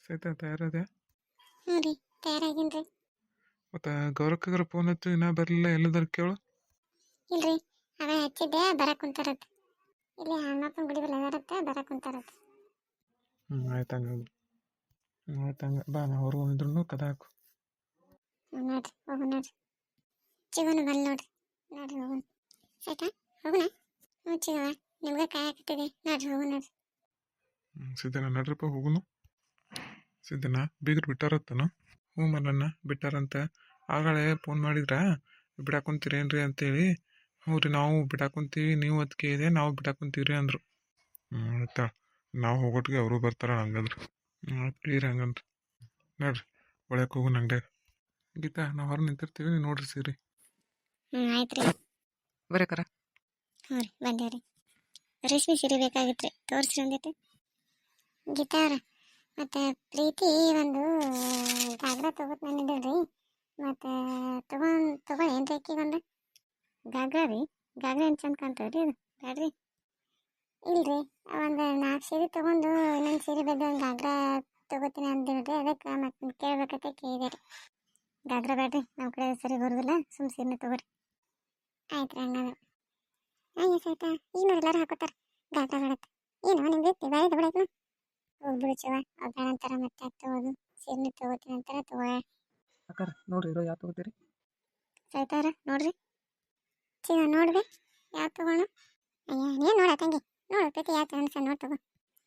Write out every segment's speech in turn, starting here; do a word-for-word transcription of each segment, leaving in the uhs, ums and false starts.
ಸಹಿತ ತಯಾರದೆ. ಹ್ಞೂ ರೀ ತಯಾರಾಗೀನಿ ರೀ. ಮತ್ತು ಗೌರಕ್ಕಗರ ಫೋನ್ ಹಚ್ಚು ಇನ್ನೂ ಬರಲಿಲ್ಲ ಎಲ್ಲದಾರ ಕೇಳು. ಇಲ್ರಿ ಅವೇ ಹಚ್ಚಿದ್ದೆ ಬರಕ್ಕೆ ಕುಂತಾರತ್ತ. ಇಲ್ಲಿ ಹಣ್ಣಪ್ಪನ ಗುಡಿ ಬಲ್ಲ ಅದಾರತ್ತ ಬರಕ್ಕೆ ಕುಂತಾರತ್ತ. ಹ್ಞೂ ಆಯ್ತು ಹಂಗಂದ್ರೆ ಹ್ಞೂ ಆಯ್ತು ಹಂಗೆ ಬಾ ನಾ ಹೊರಗೆ ಬಂದಿದ್ರು ಕದ ಹಾಕು. ಹ್ಞೂ ನೋಡ್ರಿ ಹೋಗು ನೋಡ್ರಿ. ಚಿಗೋನು ಬಲ್ಲಿ ನೋಡ್ರಿ. ನೋಡ್ರಿ ಹೋಗುನ್ ಆಯ್ತಾ ಹೋಗುಣ. ಹ್ಞೂ ಚಿಗವ ನಿಮ್ಗೆ ಕಾಯಕತ್ತಿದೆ ನೋಡ್ರಿ ಹೋಗು ನೋಡ್ರಿ. ಹ್ಞೂ ಸಿದ್ದಣ್ಣ ನಡ್ರಪ್ಪ ಹೋಗುನು. ಸಿದ್ದಣ್ಣ ಬೀಗರು ಬಿಟ್ಟಾರತ್ತನು. ಹ್ಞೂ ಮಲ್ಲಣ್ಣ ಬಿಟ್ಟಾರಂತ. ಆಗಳೇ ಫೋನ್ ಮಾಡಿದ್ರಾ ಬಿಡಾಕೊಂತೀರೇನ್ರಿ ಅಂತೇಳಿ. ಹ್ಞೂ ರೀ ನಾವು ಬಿಡಾಕೊಂತೀವಿ ನೀವು ಅದಕ್ಕೆ ಇದೆ ನಾವು ಬಿಡಾಕೊಂತೀವಿ ರೀ ಅಂದರು. ಹ್ಞೂ ಆಯ್ತಾ ನಾವು ಹೋಗೋಟಿಗೆ ಅವರು ಬರ್ತಾರ ಹಂಗಂದ್ರೆ. ಹ್ಞೂ ಆಯ್ತು ಕ್ಲಿಯರ್ ಹಂಗಂದ್ರೆ ನೋಡ್ರಿ ಒಳಕ್ಕೆ ಹೋಗು ಅಂಗಡ್ಯಾಗ. ಗೀತಾ ನಾವು ಹೊರ ನಿಂತಿರ್ತೀವಿ ನೀವು ನೋಡ್ರಿ ಸೀರಿ. ಹ್ಞೂ ಆಯ್ತು ರೀ ಬರೇಕರ. ಹ್ಞೂ ರೀ ಬಂದೇವ್ರಿ. ರೇಷ್ಮೆ ಸೀರೆ ಬೇಕಾಗಿತ್ತು ರೀ ತೋರಿಸ್ರಿ ಒಂದಿಟ್ಟು. ಗೀತಾ ಅವ್ರ ಮತ್ತು ಪ್ರೀತಿ ಒಂದು ಗಾಗ್ರಾ ತೊಗೊತ ನಂದಿದ್ರಿ ಮತ್ತು ತೊಗೊಂಡು ತೊಗೊಳ್ಳಿ ಏನು ರೀ ಅಕ್ಕಿಗೊಂದು ಗಾಗ್ರಾ ರೀ. ಗಾಗ್ರಾ ಏನು ಚಂದ ಕಾಣ್ತದೆ ರೀ ಇದು ಬ್ಯಾಡ್ರಿ. ಇಲ್ರಿ ಒಂದು ನಾಲ್ಕು ಸೀರೆ ತೊಗೊಂಡು ಇನ್ನೊಂದು ಸೀರೆ ಬಗ್ಗೆ ಒಂದು ಗಾಗ್ರಾ ತೊಗೋತೀನಿ ಅಂದಿಲ್ರಿ ಅದಕ್ಕೆ ಮತ್ತೆ ಕೇಳ್ಬೇಕಂತ ಕೇಳಿದೆ ರೀ. ಗಾಗ್ರಾ ಬ್ಯಾಡ್ರಿ ನಮ್ಮ ಕಡೆ ಸರಿ ಬರೋದಿಲ್ಲ ಸುಮ್ಮ ಸೀರೆನೇ ತೊಗೊರಿ. ಆಯ್ತು ರೀ ಹಂಗಂದ್ರೆ. ಹಾಂ ಆಯ್ತಾ ಈಗ ನೋಡಿ ಎಲ್ಲರೂ ಹಾಕೋತಾರೆ ಗಾಗ್ರಾ ಬೇಡತ್ತೆ. ಏನು ನಿಮ್ಗೆ ಬೇರೆ ತಗೊಳಕ್ಕೆ ಹೋಗ್ಬಿಡು ಚಿವ ಅವ್ರು ಬೇಡ ಅಂತಾರ ಮತ್ತೆ ಯಾಕೆ ತೊಗೋದು ಸೀರೆನೇ ತೊಗೋತೀನಿ ಅಂತಾರೆ ತೊಗೊಳ. ಅಕ್ಕಾರ ನೋಡ್ರಿ ಇರೋ ಯಾವ ತೊಗೋತೀರಿ. ಸೈತಾರ ನೋಡ್ರಿ ಚಿವ ನೋಡ್ರಿ ಯಾವ ತೊಗೋಣ. ಅಯ್ಯ ನೀನು ನೋಡ ತಂಗಿ ನೋಡು ಪ್ರತಿ ಯಾವ ಅನ್ಸ ನೋಡಿ ತಗೋ.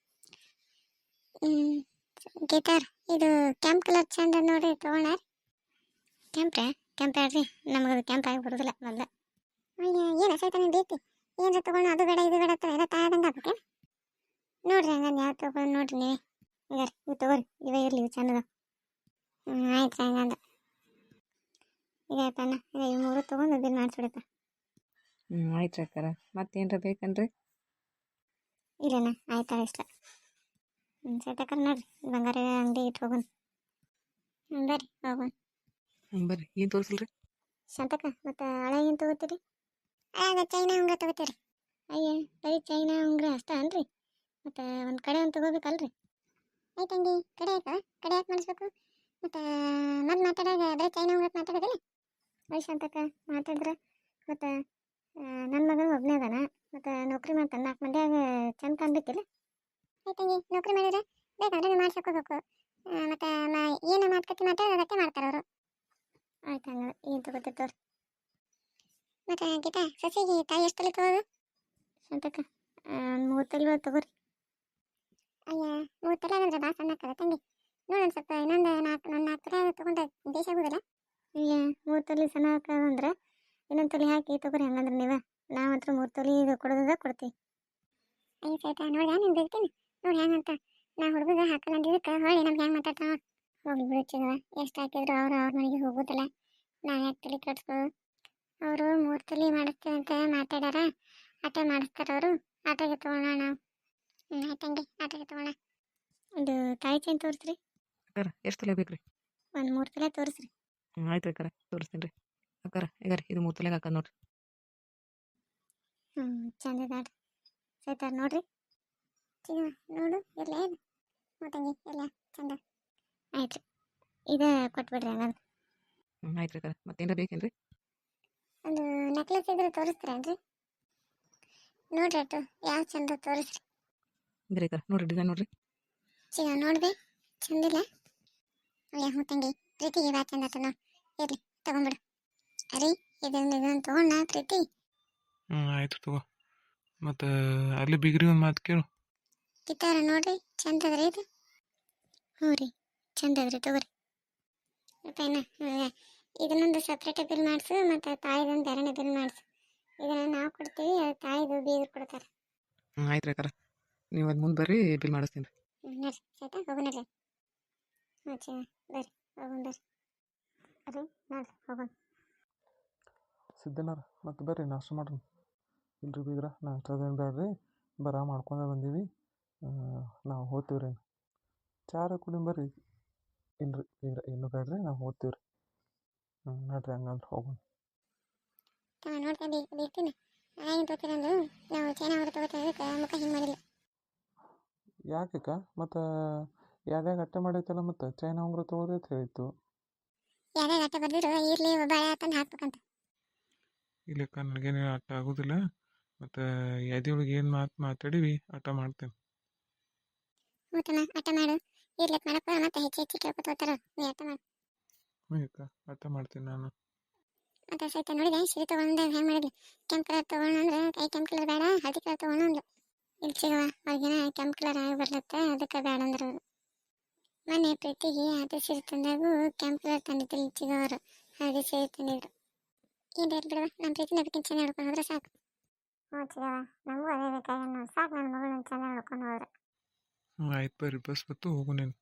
ಹ್ಞೂ ಗೀತಾರ್ ಇದು ಕೆಂಪು ಕಲರ್ ಚಂದ ನೋಡ್ರಿ ತೊಗೊಳ. ಕೆಂಪ್ರೆ ಕೆಂಪು ಹೇಳ್ರಿ ನಮ್ಗೆ ಅದು ಕೆಂಪು ಆಗಿ ಬರೋದಿಲ್ಲ ಮೊದಲ. ಅಯ್ಯ ಏನು ಸೈತಾನೆ ಬೇಕು ಏನ್ರ ತೊಗೊಂಡು ಅದು ಬೇಡ ಇದು ಬೇಡ ಎಲ್ಲ ತಾಯದಂಗೆ ಆಗ್ಬೇಕು. ನೋಡ್ರಿ ಹಂಗಂದು ಯಾವ ತೊಗೊಂಡು ನೋಡ್ರಿ ನೀವೇ ಹಂಗಾರೆ ಇವು ತೊಗೋರಿ ಇವೇ ಇರಲಿ ಇವು ಚಂದದ. ಹ್ಞೂ ಆಯ್ತು ರೀ ಹಂಗಂದ. ಈಗ ಆಯ್ತಣ್ಣ ಈಗ ಇವು ಮೂರು ತೊಗೊಂಡು ಬಿಲ್ ಮಾಡಿಸ್ಬಿಡಪ್ಪ. ಹ್ಞೂ ಆಯ್ತು ರೀ ಅಕ್ಕಾರ ಮತ್ತೇನ್ರ ಬೇಕನ್ರಿ. ಇಲ್ಲಣ್ಣ ಆಯ್ತಾಳ ಇಷ್ಟ. ಹ್ಞೂ ಸೈತಕ್ಕ ನೋಡ್ರಿ ಬಂಗಾರ ಅಂಗಡಿ ಇಟ್ಟು ಹೋಗೋಣ. ಹ್ಞೂ ಬರ್ರಿ ಹೋಗೋಣ. ಹ್ಞೂ ಬರ್ರಿ ಏನು ತೋರಿಸಲ್ರಿ. ಶಾಂತಕ್ಕ ಮತ್ತು ಹಳೆ ಏನು ತೊಗೋತೀರಿ. ಆಗ ಚೈನಾ ಉಂಗ್ರ ತೊಗೋತೀರಿ. ಅಯ್ಯ ಬರೀ ಚೈನಾ ಉಂಗ್ರ ಅಷ್ಟ ಅನ್ರಿ ಮತ್ತು ಒಂದು ಕಡೆ ಒಂದು ತೊಗೋಬೇಕಲ್ರಿ. ಆಯ್ತಂಗಿ ಕಡೆ ಆಯ್ತಾ ಕಡೆ ಯಾಕೆ ಮಾಡಿಸ್ಬೇಕು ಮತ್ತು ಮತ್ತೆ ಮಾತಾಡೋದು ಬರೀ ಚೈನಾ ಉಂಗ್ರ ಮಾತಾಡೋದಿಲ್ಲ. ಅಯ್ಯ ಶಾಂತಕ್ಕ ಮಾತಾಡಿದ್ರೆ ಮತ್ತು ನನ್ನ ಮಗನ ಒಬ್ಬನೇ ಅದಾನ ಮತ್ತು ನೌಕರಿ ಮಾಡ್ತಾನೆ ನಾಲ್ಕು ಮಂದಿಯಾಗ ಚಂದ ಕಾಣ್ಬೇಕಿಲ್ಲ. ಆಯ್ತಂಗಿ ನೌಕರಿ ಮಾಡಿದ್ರೆ ಬೇಕಾದ್ರೆ ಮಾಡ್ಸೋಕೋಬೇಕು ಮತ್ತು ಏನು ಮಾತುಕತೆ ಮಾತಾಡೋದು ಅದಕ್ಕೆ ಮಾಡ್ತಾರೆ ಅವರು. ಆಯ್ತು ಹಂಗೆ ಏನು ತೊಗೋತಿರ್ತವ್ರಿ. ಮತ್ತು ಗೀತಾ ಸಸಿಗೆ ತಾಯಿ ಎಷ್ಟು ತಲೆ ತೊಗೋದು. ಶಾಂತಕ್ಕ ಒಂದು ಮೂರು ತಲೆ ತೊಗೋರಿ. ಅಯ್ಯ ಮೂರು ತಲೆ ಅಂದ್ರೆ ಭಾಳ ಸಣ್ಣ ಆಗ್ತದೆ ತಂಗಿ ನೋಡೋಣ ಸ್ವಲ್ಪ ಇನ್ನೊಂದು ನಾಲ್ಕು ನನ್ನ ನಾಲ್ಕು ತಲೆ ತೊಗೊಂಡ್ರೆ ದೇಶ ಆಗೋದಿಲ್ಲ. ಅಯ್ಯ ಮೂರು ತಲೆ ಸಣ್ಣ ಹಾಕೋದಂದ್ರೆ ಇನ್ನೊಂದು ತಲೆ ಹಾಕಿ ತೊಗೋರಿ ಹಂಗಂದ್ರೆ ನೀವು ನಾವು ಹತ್ರ ಮೂರು ತಲೆ ಇದು ಕೊಡೋದ ಕೊಡ್ತೀವಿ. ಅಯ್ಯ ಸೈತಾ ನೋಡ್ದ ನೀನು ಬಿಡ್ತೀನಿ ನೋಡಿ ಹೆಂಗಂತ ನಾ ಹುಡುಗ ಹಾಕಲ್ಲ ಅಂದಿದ್ದಕ್ಕೆ ಹೊಳ್ಳಿ ನಮ್ಗೆ ಹೆಂಗೆ ಮಾತಾಡ್ತಾವ. ಹೋಗಿ ಬಿಡುತ್ತಿದ ಎಷ್ಟು ಹಾಕಿದ್ರು ಅವ್ರು ಅವ್ರ ಮನೆಗೆ ಹೋಗೋದಿಲ್ಲ ನಾವು ಯಾಕೆ ತಲೆ ಕೆಡ್ಸ್ಕೊಳ್ಳೋದು. ಅವರು ಮೂರು ತಲೆ ಮಾಡಿಸ್ತೀವಿ ಅಂತ ಮಾತಾಡ್ಯಾರ ಆಟ ಮಾಡಿಸ್ತಾರೆ ಅವರು ಆಟೋಗೆ ತೊಗೊಳ್ಳೋಣ ನಾವು. ಹ್ಞೂ ಆಯ್ತಂಗೆ ಆಟೋಗೆ ತೊಗೊಳ್ಳೋಣ. ಇದು ತಾಯಿ ಚೈನ್ ತೋರಿಸ್ರಿ. ಅಕ್ಕಾರ ಎಷ್ಟು ತಲೆ ಬೇಕು ರೀ. ಒಂದು ಮೂರು ತಲೆ ತೋರಿಸ್ರಿ. ಹ್ಞೂ ಆಯ್ತು ರೀ ಅಕ್ಕಾರ ತೋರಿಸ್ತೀನಿ ರೀ. ಅಕ್ಕಾರ ಈಗ ರೀ ಇದು ಮೂರು ತಲೆಗೆ ಹಾಕೋದು ನೋಡ್ರಿ. ಹ್ಞೂ ಚಂದ ಇದಾಡ್ರಿ ಸೈತಾರ ನೋಡ್ರಿ. ಚಿನ್ನ ನೋಡು ಇರಲಿ ಏನು ಮತ್ತಂಗೆ ಇಲ್ಲ ಚಂದ ಆಯ್ತು ರೀ ಇದು ಕೊಟ್ಬಿಡ್ರಿ ಹಂಗಂದ್ರೆ. ಹ್ಞೂ ಆಯ್ತು ರೀ ಅಕ್ಕಾರ ಮತ್ತೇನ್ರ ಬೇಕೇನು ರೀ. ಒಂದು ನೆಕ್ಲೆಸ್ ಇದ್ರೆ ತೋರಿಸ್ತೀರೇನ್ರಿ. ನೋಡ್ರಿ ಅಟ್ಟು ಯಾವ ಚಂದ ತೋರಿಸ್ರಿ. ಇದ್ರಿ ಅಕ್ಕಾರ ನೋಡ್ರಿ ಡಿಸೈನ್ ನೋಡ್ರಿ. ಚಿನ್ನ ನೋಡ್ದೆ ಚಂದಿಲ್ಲ. ಅಯ್ಯ ಹ್ಞೂ ತಂಗಿ ಪ್ರೀತಿಗೆ ಬಾ ಚಂದ ಆತ ನೋಡಿ ಇರಲಿ ತೊಗೊಂಬಿಡು. ಅರಿ ಇದೊಂದು ಇದೊಂದು ತೊಗೊಂಡ ಪ್ರೀತಿ. ಹ್ಞೂ ಆಯ್ತು ತಗೋ. ಮತ್ತು ಅಲ್ಲಿ ಬಿಗ್ರಿ ಒಂದು ಮಾತು ಕೇಳು. ಕಿತ್ತಾರ ನೋಡ್ರಿ ಚಂದ ಅದ್ರಿ ಇದು. ಹ್ಞೂ ರೀ ಚಂದ ಅದ್ರಿ ತೊಗೋರಿ. ಮತ್ತೇನ ಇದನ್ನೊಂದು ಸಪ್ರೇಟ್ ಬಿಲ್ ಮಾಡಿಸು ಮತ್ತು ತಾಯಿದೊಂದು ಬೇರೆನೇ ಬಿಲ್ ಮಾಡಿಸು. ಇದನ್ನು ನಾವು ಕೊಡ್ತೀವಿ ಅದು ತಾಯಿದು ಬೀಗರು ಕೊಡ್ತಾರೆ. ಹ್ಞೂ ಆಯ್ತು ರೀ ಅಕ್ಕಾರ ನೀವು ಅದು ಮುಂದೆ ಬರ್ರಿ ಬಿಲ್ ಮಾಡಿಸ್ತೀನಿ ರೀ. ಹ್ಞೂ ನಡ್ರಿ ಆಯ್ತಾ ಹೋಗೋಣ ರೀ. ಹ್ಞೂ ಚ ಬರ್ರಿ ಹೋಗೋಣ ಬರ್ರಿ. ಅರಿ ನೋಡ್ರಿ ಹೋಗೋಣ. ಸಿದ್ದಣ್ಣರ ಮತ್ತು ಬರ್ರಿ ನಾಷ್ಟ ಮಾಡ್ರಿ. ಇಲ್ರಿ ಬೀಗ್ರ ನಾಷ್ಟದೇನು ಬೇಡ್ರಿ ಬರ ಮಾಡ್ಕೊಂಡೆ ಬಂದೀವಿ ನಾವು ಹೋಗ್ತೀವಿ ರೀ. ಚಾರ ಕುಡಿ ಬರ್ರಿ. ಇಲ್ರಿ ಬೀಗ್ರ ಇನ್ನೂ ಬೇಡ್ರಿ ನಾವು ಹೋಗ್ತೀವಿ ರೀ. ಹ್ಞೂ ನೋಡ್ರಿ ಹಂಗಂದ್ರೆ ಹೋಗೋಣ. ತಮ್ಮ ನೋಡ್ಕೊಂಡು ಇರ್ತೀನಿ ಏನು ತೋತಿರಂದು ನಾವು ಚೈನಾ ಅವ್ರು ತಗೋತಾರೆ ಮುಖ ಹಿಂಗೆ ಮಾಡಿಲ್ಲ. ಯಾಕೆ ಮತ್ತು ಯಾವ್ದಾಗ ಅಟ್ಟ ಮಾಡೈತಲ್ಲ ಮತ್ತು ಚೈನಾ ಉಂಗುರ ತೊಗೊಳ್ರಿ ಅಂತ ಹೇಳಿತ್ತು. ಯಾರ್ಯಾರು ಆಟ ಬರ್ದಿರೋ ಇರ್ಲಿ ಒಬ್ಬ ಹಳೆ ತಂದು ಹಾಕ್ಬೇಕಂತ. ಇಲ್ಲಕ್ಕ ನನಗೇನು ಆಟ ಆಗೋದಿಲ್ಲ. ಮತ್ತು ಎದೆಯೊಳಗೆ ಏನು ಮಾತು ಮಾತಾಡೀವಿ ಆಟ ಮಾಡ್ತೇನೆ. ಮೂತಮ್ಮ ಆಟ ಮಾಡು. ಇರ್ಲಕ್ ಮಾಡಪ್ಪ ಮತ್ತೆ ಹೆಚ್ಚು ಹೆಚ್ಚು ಕೇಳ್ಕೊತ ಹೋಗ್ತಾರ. ನೀ ಆಟ ಮಾಡು. ಹ್ಞೂ ಅಕ್ಕ ಆಟ ಮಾಡ್ತೀನಿ ನಾನು. ಮತ್ತೆ ಸಹಿತ ನೋಡಿದೆ ಸೀರೆ ತೊಗೊಂಡು ಹೆಂಗೆ ಮಾಡಿದ್ಲು. ಕೆಂಪು ಕಲರ್ ತೊಗೊಂಡು ಅಂದ್ರೆ ಕೈ ಕೆಂಪು ಕಲರ್ ಬೇಡ ಹಳದಿ ಕಲರ್ ತೊಗೊಂಡು ಅಂದ್ಲು. ಇಲ್ಲಿ ಸಿಗವ ಅವ್ರಿಗೇನ ಕೆಂಪು ಕಲರ್ ಆಗಿ ಬರ್ಲತ್ತ ಅದಕ್ಕೆ ಬೇಡ ಅಂದ್ರೆ ಅವರು. ಮೊನ್ನೆ ಪ್ರೀತಿಗೆ ಹಳದಿ ಸೀರೆ ತಂದಾಗೂ ಕೆಂಪು ಕಲರ್ ತಂದಿದ್ದಿಲ್ಲ ಚಿಗವರು ಹಳದಿ ಸೀರೆ ತಂದಿದ್ರು. ಏನು ರೇಟ್ ಬಿಡವ ನಮ್ಮ ಪ್ರೀತಿ ನಡಕಿನ ಚೆನ್ನಾಗಿ ನೋಡ್ಕೊಂಡು ಹೋದ್ರೆ ಸಾಕು. ಹ್ಞೂ ಚಿಗವ ನಮಗೂ ಅದೇ ಬೇಕಾಗಿ ಸಾಕು ನನ್ನ ಮಗಳು ಚೆನ್ನಾಗಿ ನೋಡ್ಕೊಂಡು ಹೋದ್ರೆ. ಹ್ಞೂ ಆಯ್ತು ಬರ್ರಿ ಬಸ್ ಬತ್ತು ಹೋಗು ನೀನು.